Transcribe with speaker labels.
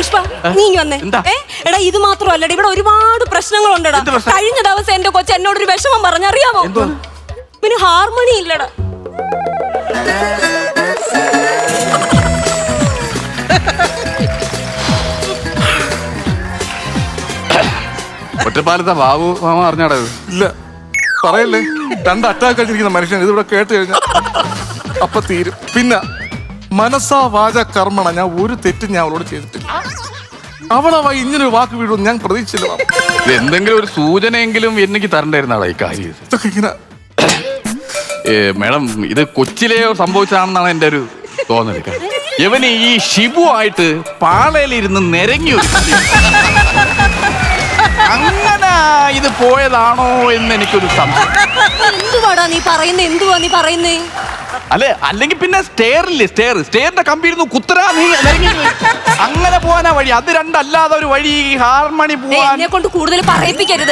Speaker 1: പുഷ്പ നീ വന്നേ. എടാ ഇത് മാത്രമല്ലടാ, ഇവിടെ ഒരുപാട് പ്രശ്നങ്ങളുണ്ടടാ. കഴിഞ്ഞ ദിവസം എന്റെ കൊച്ചു എന്നോടൊരു വിഷമം പറഞ്ഞറിയാമോ? പിന്നെ ഹാർമോണി ഇല്ലടാ.
Speaker 2: ഒറ്റപ്പാലത്തെ ബാബു മാമ അറിഞ്ഞാടാ?
Speaker 3: ഇല്ല പറയല്ലേ, 2 അറ്റാക്ക് അടിച്ചിരിക്കുന്ന മനുഷ്യൻ ഇതിവിടെ കേട്ട് കഴിഞ്ഞാൽ അപ്പൊ തീരും. പിന്നെ മനസ്സാ വാച കർമ്മണ ഞാൻ ഒരു തെറ്റും ഞാൻ അവളോട് ചെയ്തിട്ടില്ല. അവളവ ഇങ്ങനൊരു വാക്ക് വീഴുമെന്ന് ഞാൻ പ്രതീക്ഷിച്ചില്ല.
Speaker 2: എന്തെങ്കിലും ഒരു സൂചനയെങ്കിലും എനിക്ക് തരണ്ടായിരുന്നാടാ ഈ കാര്യം.
Speaker 3: ഇതൊക്കെ ഇങ്ങനെ
Speaker 2: മേഡം, ഇത് കൊച്ചിലെയോ സംഭവിച്ചതാണെന്നാണ് എൻ്റെ ഒരു തോന്നൽ. ഇവന് ഈ ഷിബു ആയിട്ട് പാളയിലിരുന്ന് നിരങ്ങി ഒരു അങ്ങനെ ഇത് പോയതാണോ എന്ന് എനിക്കൊരു സംശയം.
Speaker 1: എന്തുവാടാ നീ പറയുന്നേ? എന്തുവാ നീ പറയുന്നേ?
Speaker 2: അല്ലെ, അല്ലെങ്കിൽ പിന്നെ സ്റ്റെയറിന്റെ കമ്പിയിരുന്നു കുത്തരാ നീ അങ്ങനെ പോവാനാ വഴി. അത് രണ്ടല്ലാതെ ഒരു വഴി ഹാർമണി പോവാൻ
Speaker 1: എന്നെ കൊണ്ട് കൂടുതൽ പറയിപ്പിക്കരുത്.